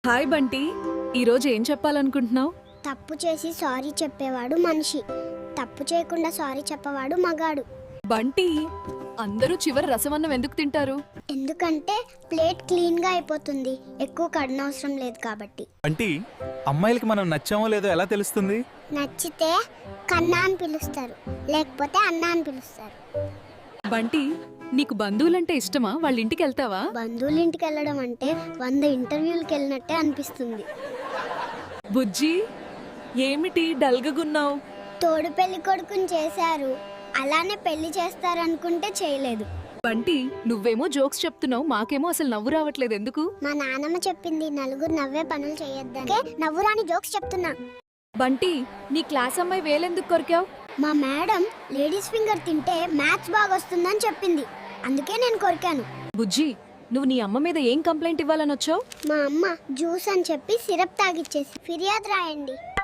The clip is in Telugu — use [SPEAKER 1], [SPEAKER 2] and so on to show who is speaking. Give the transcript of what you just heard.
[SPEAKER 1] హాయ్ బంటి, ఈరోజు ఏం చెప్పాలనుకుంటున్నావు?
[SPEAKER 2] తప్పు చేసి సారీ చెప్పేవాడు మనిషి, తప్పు చేయకుండా సారీ చెప్పవాడు మగాడు.
[SPEAKER 1] బంటి, అందరూ చివరి రసమన్నం ఎందుకు తింటారు?
[SPEAKER 2] ఎందుకంటే ప్లేట్ క్లీన్గా అయిపోతుంది, ఎక్కువ కడనవసరం లేదు కాబట్టి.
[SPEAKER 3] అంటే అమ్మాయిలకి మనం నచ్చామో లేదో ఎలా తెలుస్తుంది?
[SPEAKER 2] నచ్చితే కన్నా అని పిలుస్తారు, లేకపోతే అన్న అని పిలుస్తారు.
[SPEAKER 1] బంటి, నీకు బంధువులంటే ఇష్టమా? వాళ్ళ ఇంటికి వెళ్తావా?
[SPEAKER 2] బంధువుల ఇంటికి వెళ్ళడం అంటే 100 ఇంటర్వ్యూలకు వెళ్ళినట్టే అనిపిస్తుంది.
[SPEAKER 1] బుజ్జి, ఏమిటి డల్గగున్నావు?
[SPEAKER 2] తోడు పెళ్లి కొడుకుని చేశారు, అలానే పెళ్లి చేస్తారనుకుంటే చేయలేదు.
[SPEAKER 1] బంటి, నువ్వేమో జోక్స్ చెప్తున్నావు, మాకేమో అసలు నవ్వు రావట్లేదు, ఎందుకు?
[SPEAKER 2] మా నాన్నమ్మ చెప్పింది నలుగురు నవ్వే పనులు చేయొద్దని. నవ్వురాని జోక్స్ చెప్తున్నా.
[SPEAKER 1] బంటి, నీ క్లాస్ అమ్మాయి వేలెందుకు కొరికావు?
[SPEAKER 2] మా మేడం లేడీస్ ఫింగర్ తింటే మ్యాథ్స్ బాగా వస్తుందని చెప్పింది, అందుకే నేను కొరికాను.
[SPEAKER 1] బుజ్జి, నువ్వు నీ అమ్మ మీద ఏం కంప్లైంట్ ఇవ్వాలని వచ్చావు?
[SPEAKER 2] మా అమ్మ జ్యూస్ అని చెప్పి సిరప్ తాగిచ్చేసి ఫిర్యాదు రాయండి.